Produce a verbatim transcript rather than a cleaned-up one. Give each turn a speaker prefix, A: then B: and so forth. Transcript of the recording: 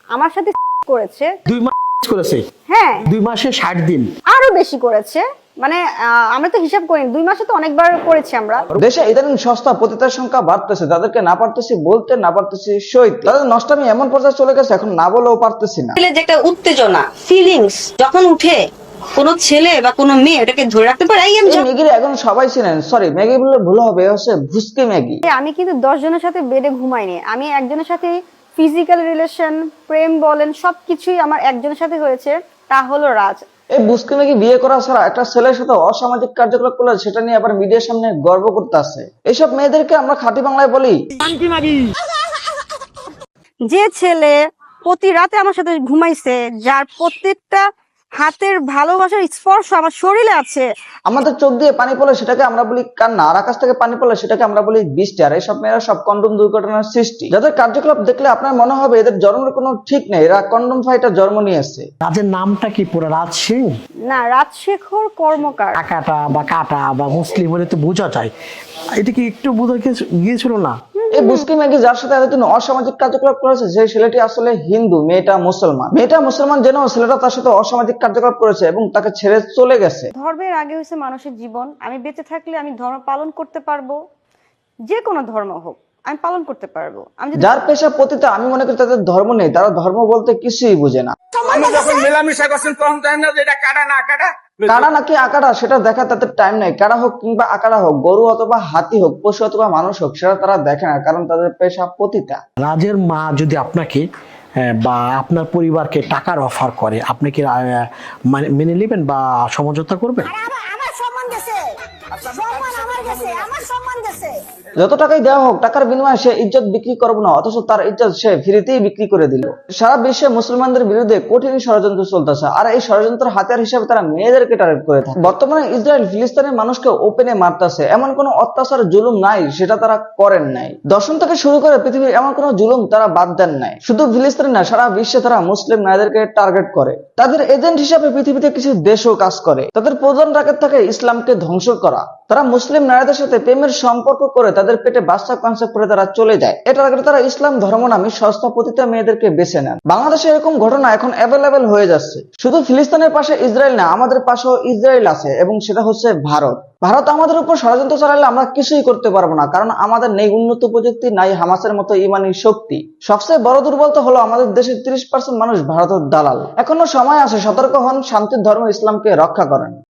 A: আমার সাথে করেছে
B: দুই মাস করেছে।
A: হ্যাঁ,
B: দুই মাসে ষাট দিন।
A: আরো বেশি করেছে। মানে আহ, আমরা তো হিসাব করিনি, দুই মাসে তো অনেকবার করেছি আমরা।
C: দেশে ইদানিং সস্তা পতিতার সংখ্যা বাড়তেছে, তাদেরকে না পারতেছি বলতে, না পারতেছি সইতে। তাদের নষ্টামি এমন পর্যায়ে চলে গেছে, এখন না বলেও পারতেছি না।
D: ছেলে যে একটা উত্তেজনা ফিলিংস যখন উঠে, কোন ছেলে বা কোন মেয়ে এটাকে ধরে রাখতে পারে। এই আমি
C: এই ম্যাগির এখন সবাই চিনেন, সরি ম্যাগি বললে ভুল হবে, এ হচ্ছে ভুসকি ম্যাগি।
A: আমি কিন্তু দশ জনের সাথে বেডে ঘুমাইনি, আমি একজনের সাথে ফিজিক্যাল রিলেশন, প্রেম বলেন সবকিছুই আমার একজনের সাথে হয়েছে, তা হলো রাজ।
C: এই ভুসকি ম্যাগি বিয়ে করা ছাড়া একটা ছেলের সাথে অসামাজিক কার্যকলাপ করলে সেটা নিয়ে আবার মিডিয়ার সামনে গর্ব করতে আছে। এইসব মেয়েদেরকে আমরা খাঁটি বাংলায় বলি।
A: যে ছেলে প্রতি রাতে আমার সাথে ঘুমাইছে, যার প্রত্যেকটা হাতের ভালোবাসার স্পর্শ আমার শরীরে আছে।
C: আমাদের চোখ দিয়ে পানি পড়লে সেটাকে আমরা বলি কান্না, আর আকাশ থেকে পানি পড়লে সেটাকে আমরা বলি বৃষ্টি। আর এইসব মেয়েরা সব কন্ডম দুর্ঘটনার সৃষ্টি, যাদের কার্যকলাপ দেখলে আপনার মনে হবে এদের জন্মের কোনো ঠিক নেই, এরা কন্ডম ফাইটার জন্ম নিয়েছে।
B: রাজের নামটা কি পুরো? রাজ সিং
A: না, রাজশেখর কর্মকার।
B: কাকাটা বা কাটা বা মুসলিম হলে তো বোঝা যায়, এটা কি একটু বোঝা গিয়েছিল না?
C: এই বুসকি ম্যাগি যার সাথে এতদিন অসামাজিক কার্যকলাপ করেছে, সেই ছেলেটি আসলে হিন্দু, মেয়েটা মুসলমান। মেয়েটা মুসলমান জেনেও ছেলেটা তার সাথে অসামাজিক কার্যকলাপ করেছে এবং তাকে ছেড়ে চলে গেছে।
A: ধর্মের আগে হচ্ছে মানুষের জীবন। আমি বেঁচে থাকলে আমি ধর্ম পালন করতে পারবো, যে কোনো ধর্ম হোক আমি পালন করতে পারবো। আমি যদি
C: যার পেশা পতিতা, আমি মনে করি তাদের ধর্ম নেই, তারা ধর্ম বলতে কিছুই বুঝে না।
E: যখন মেলামেশা করছেন তখন তাই না যে এটা কাটা না কাটা।
C: কারা নাকি আকারা সেটা দেখা তাদের টাইম নাই। কারা হোক কিংবা আকারা হোক, গরু অথবা হাতি হোক, পশু অথবা মানুষ হোক, সেটা তারা দেখে না, কারণ তাদের পেশা পতিতা।
B: রাজের মা যদি আপনাকে আহ, বা আপনার পরিবারকে টাকার অফার করে, আপনি কি আহ, মানে- মেনে নেবেন বা সমঝোতা করবেন?
F: আমার সম্মান গেছে, সম্মান আমার গেছে, আমার সম্মান গেছে।
C: যত টাকাই দেওয়া হোক, টাকার বিনিময়ে সে ইজ্জত বিক্রি করবো না, অথচ তার ইজ্জত সে ফ্রিতেই বিক্রি করে দিল। সারা বিশ্বে মুসলমানদের বিরুদ্ধে কঠিন ষড়যন্ত্র চলতেছে, আর এই ষড়যন্ত্রের হাতিয়ার হিসেবে তারা মেয়েদেরকে টার্গেট করে থাকে। বর্তমানে ইসরায়েল ফিলিস্তিনের মানুষকে ওপেনে মারতেছে, এমন কোন অত্যাচার জুলুম নাই সেটা তারা করেন নাই। দর্শন থেকে শুরু করে পৃথিবীর এমন কোন জুলুম তারা বাদ দেন নাই। শুধু ফিলিস্তিন না, সারা বিশ্বে তারা মুসলিম নারীদেরকে টার্গেট করে। তাদের এজেন্ট হিসাবে পৃথিবীতে কিছু দেশও কাজ করে। তাদের প্রধান টার্গেট থাকে ইসলামকে ধ্বংস করা। তারা মুসলিম নারীদের সাথে প্রেমের সম্পর্ক করে তাদের পেটে বাচ্চা কনসেপ্ট করে তারা চলে যায়। এটা টার্গেটে তারা ইসলাম ধর্ম নামে সস্তা পতিতা মেয়েদেরকে বেছে নেন। বাংলাদেশে এরকম ঘটনা এখন অ্যাভেলেবেল হয়ে যাচ্ছে। শুধু ফিলিস্তিনের পাশে ইসরায়েল না, আমাদের পাশেও ইসরায়েল আছে, এবং সেটা হচ্ছে ভারত। ভারত আমাদের উপর ষড়যন্ত্র চালালে আমরা কিছুই করতে পারবো না, কারণ আমাদের নেই উন্নত প্রযুক্তি, নাই হামাসের মতো ইমানি শক্তি। সবচেয়ে বড় দুর্বলতা হলো আমাদের দেশের তিরিশ পার্সেন্ট মানুষ ভারতের দালাল। এখনো সময় আছে, সতর্ক হন, শান্তির ধর্ম ইসলামকে রক্ষা করেন।